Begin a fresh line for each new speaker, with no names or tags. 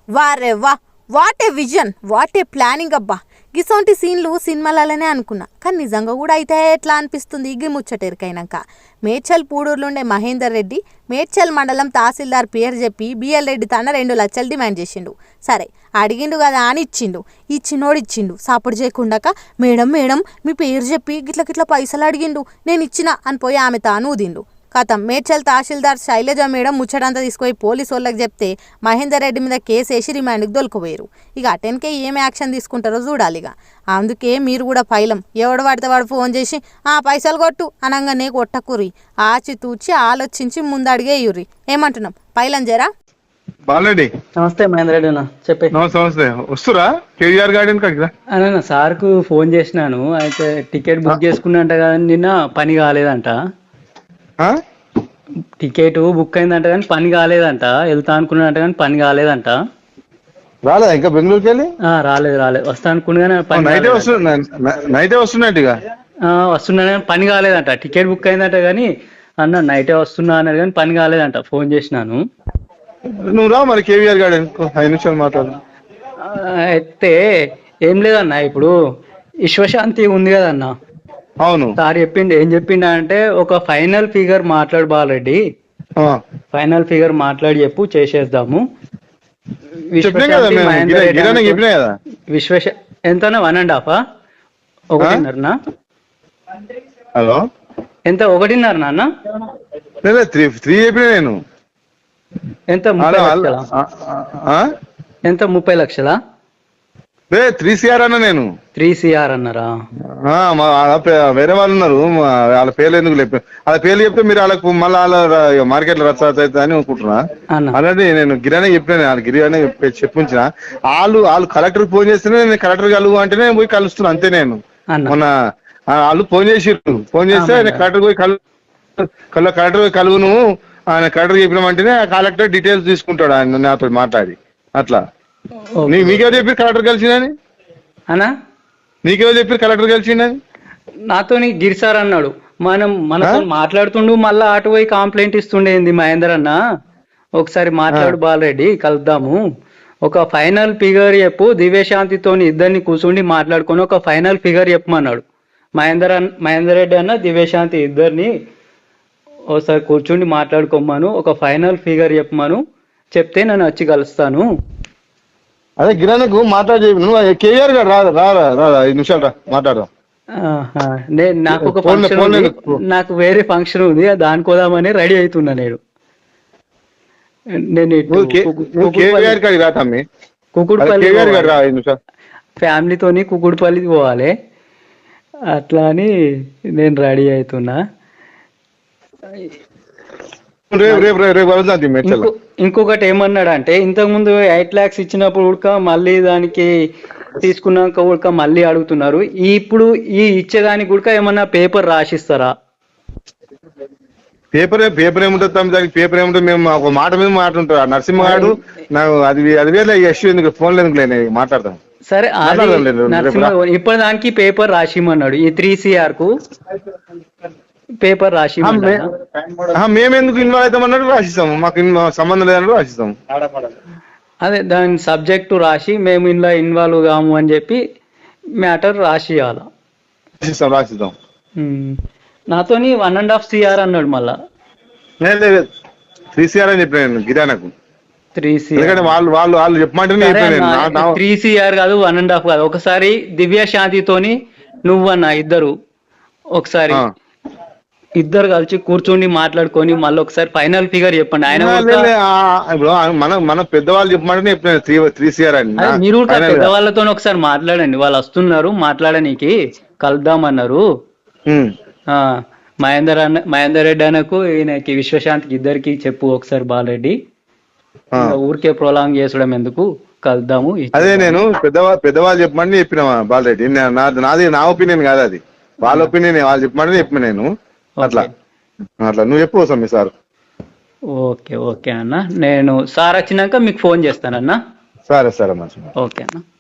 వారే వా, what a vision, what a planning అబ్బా. గిసొంటి సీన్లు సినిమాలనే అనుకున్నా, కానీ నిజంగా కూడా అయితే ఎట్లా అనిపిస్తుంది ఇగి ముచ్చటెరికైనాక. మేడ్చల్ పూడూరులుండే మహేందర్ రెడ్డి మేడ్చల్ మండలం తహసీల్దార్ పేరు చెప్పి బిఎల్ రెడ్డి తన 2 లక్షలు డిమాండ్ చేసిండు. సరే అడిగిండు కదా అని ఇచ్చిండు. ఇచ్చినోడు ఇచ్చిండు, సపోర్ట్ చేయకుండాక మేడం మేడం మీ పేరు చెప్పి గిట్ల గిట్ల పైసలు అడిగిండు, నేను ఇచ్చిన అని పోయి ఆమె తాను ఊదిండు. కథం మేడ్చల్ తహసీల్దార్ శైలజ మేడం ముచ్చటంతా తీసుకుపోయి పోలీసు వాళ్ళకి చెప్తే మహేందర్ రెడ్డి మీద కేసు వేసి రిమాండ్కి దొలకపోయారు. ఇక అటెన్కే ఏం యాక్షన్ తీసుకుంటారో చూడాలి. ఇక అందుకే మీరు కూడా పైలం ఎవడు పడితే వాడు ఫోన్ చేసి పైసలు కొట్టు అనగానే కొట్టకుర్రి, ఆచితూచి ఆలోచించి ముందడిగేయుర్రి. ఏమంటున్నాం పైలం జరా.
బాలరెడ్డి
నమస్తే మహేందర్ రెడ్డి అన్న, చెప్పే.
నమస్తే. వస్తురా కేవీఆర్ గార్డెన్ కదా
అన్న సార్కు ఫోన్ చేసినాను, అయితే టికెట్ బుక్ చేసుకున్నంట కానీ నిన్న పని కాలేదంట. టికెట్ బుక్ అయిందంట కానీ పని కాలేదంట, వెళ్తా అనుకున్నాడంట కానీ పని కాలేదంట.
రాలేదా ఇంకా బెంగళూరుకి వెళ్ళి?
రాలేదు వస్తా అనుకున్నా
నైటే వస్తున్నట్టు
వస్తున్నా పని కాలేదంట. టికెట్ బుక్ అయిందంట కానీ అన్న నైటే వస్తున్నా అన్నాడు కానీ పని కాలేదంట. ఫోన్ చేసినాను.
నువ్వు రా మరి కేవీఆర్ గార్డెన్ 5 నిమిషాలు మాట్లాడు.
అయితే ఏం లేదన్న, ఇప్పుడు విశ్వశాంతి ఉంది కదన్న.
అవును
సార్ చెప్పిండు. ఏం చెప్పిండు అంటే ఒక ఫైనల్ ఫిగర్ మాట్లాడు బాలరెడ్డి, ఫైనల్ ఫిగర్ మాట్లాడి చెప్పు చేసేద్దాము. ఎంతనా 1.5 1.5
హలో
ఎంత 1.5 నాన్న?
3 చెప్పిన నేను.
ఎంత 30 లక్షలా?
3 CR అన్నా నేను.
3 CR అన్నారా?
వేరే వాళ్ళు ఉన్నారు, వాళ్ళ పేర్లు ఎందుకు చెప్పి వాళ్ళ పేర్లు చెప్తే మీరు వాళ్ళకు మళ్ళీ వాళ్ళ మార్కెట్ లో రచ్చ అవుతుంది అని అనుకుంటున్నా. అలాంటి నేను గిరానే చెప్పిన, వాళ్ళ గిరిగానే చెప్పించిన. వాళ్ళు కలెక్టర్ ఫోన్ చేస్తేనే నేను కలెక్టర్ కలుగు అంటే నేను పోయి కలుస్తున్నా అంతే. నేను మొన్న వాళ్ళు ఫోన్ చేసిర్రు, ఫోన్ చేస్తే కలెక్టర్ పోయి కలెక్టర్ పోయి కలుగును ఆయన కలెక్టర్ చెప్పినామంటేనే కలెక్టర్ డీటెయిల్స్ తీసుకుంటాడు ఆయన నాతో మాట్లాడి. అట్లా మీకెవరు చెప్పి కలెక్టర్ కలిసిందని?
అన్నా
నీకెవరు చెప్పి కలెక్టర్ కలిసిందని?
నాతో గిరి సార్ అన్నాడు. మనతో మాట్లాడుతుండు, మళ్ళా అటు పోయి కంప్లైంట్ ఇస్తుండేంది మహేందర్ అన్న. ఒకసారి మాట్లాడు బాలరెడ్డి, కలుద్దాము. ఒక ఫైనల్ ఫిగర్ చెప్పు, దివ్యశాంతితో ఇద్దరిని కూర్చుండి మాట్లాడుకొని ఒక ఫైనల్ ఫిగర్ చెప్పమన్నాడు. మహేందర్ రెడ్డి అన్న దివ్యశాంతి ఇద్దరిని ఒకసారి కూర్చుండి మాట్లాడుకోమను, ఒక ఫైనల్ ఫిగర్ చెప్పమను, చెప్తే నేను వచ్చి కలుస్తాను.
అదే గిరానకు మాట్లాడి కేఆర్ గారు రారా 5 నిమిషాలు రా మాట్లాడదాం.
నాకు ఒక ఫంక్షన్ ఉంది, నాకు వేరే ఫంక్షన్ ఉంది, దానికోదామని రెడీ అవుతున్నా నేను. కుకుడుపల్లి ఫ్యామిలీతోని కుకుడుపల్లి పోవాలి, అట్లా అని నేను రెడీ అవుతున్నా. ఇంకొకటి ఏమన్నాడు అంటే, ఇంతకు ముందు 8 lakhs ఇచ్చినప్పుడు ఉడక మళ్ళీ దానికి తీసుకున్నాక ఉడక మళ్ళీ అడుగుతున్నారు. ఇప్పుడు ఈ ఇచ్చేదానికి ఉడక ఏమన్నా పేపర్ రాసిస్తారా?
పేపర్ ఏముంటుంది తమ్మి, దానికి పేపర్ ఏముంటుంది? మేము ఒక మాట మీద మాట్లాడుతుంటారు నరసింహ గారు. నాకు అది వేరే ఇష్యూ ఎందుకు, ఫోన్లో ఎందుకు లేని మాట్లాడతాం.
సరే ఇప్పుడు దానికి పేపర్ రాసిమన్నాడు. ఈ 3 CR కు పేపర్ రాసి
మేమెందుకు ఇన్వాల్వ్ అవుతామన్నట్టు రాసిస్తాము, మాకు సంబంధం లేదన్నట్టు రాసిస్తాము.
అదే దాని సబ్జెక్టు రాసి మేము ఇందులో ఇన్వాల్వ్ కాము అని చెప్పి మ్యాటర్ రాసియాల
రాసిస్తాం.
నాతోని 1.5 CR అన్నాడు. మళ్ళా
3 CR అని చెప్పాను గిరానకు.
3 CR
వాళ్ళు చెప్పమంటే
3 CR కాదు, 1.5 కాదు. ఒకసారి దివ్యశాంతితోని నువ్వన్నా ఇద్దరు ఒకసారి ఇద్దరు కలిసి కూర్చొని మాట్లాడుకొని మళ్ళీ ఒకసారి ఫైనల్ ఫిగర్ చెప్పండి. ఆయన
మన పెద్దవాళ్ళు చెప్పమంటే 3 CR అని.
మీరు పెద్దవాళ్ళతో ఒకసారి మాట్లాడండి, వాళ్ళు వస్తున్నారు మాట్లాడనీకి, కలుద్దామన్నారు. మహేందర్ రెడ్డి అన్నకు ఈయనకి విశ్వశాంతికి ఇద్దరికి చెప్పు ఒకసారి బాలరెడ్డి, ఊరికే ప్రొలాంగ్ చేసడం ఎందుకు, కలుద్దాము.
అదే నేను పెద్దవాళ్ళు చెప్పమని చెప్పిన బాలరెడ్డి. నాది నా ఒపీనియన్ కాదు, అది వాళ్ళ ఒపీనియన్. వాళ్ళు చెప్పమంటే చెప్పిన నేను. అట్లా నువ్వు చెప్పు మీ సార్.
ఓకే అన్న, నేను సార్ వచ్చినాక మీకు ఫోన్ చేస్తానన్నా.
సరే మంచిది.
ఓకే అన్న.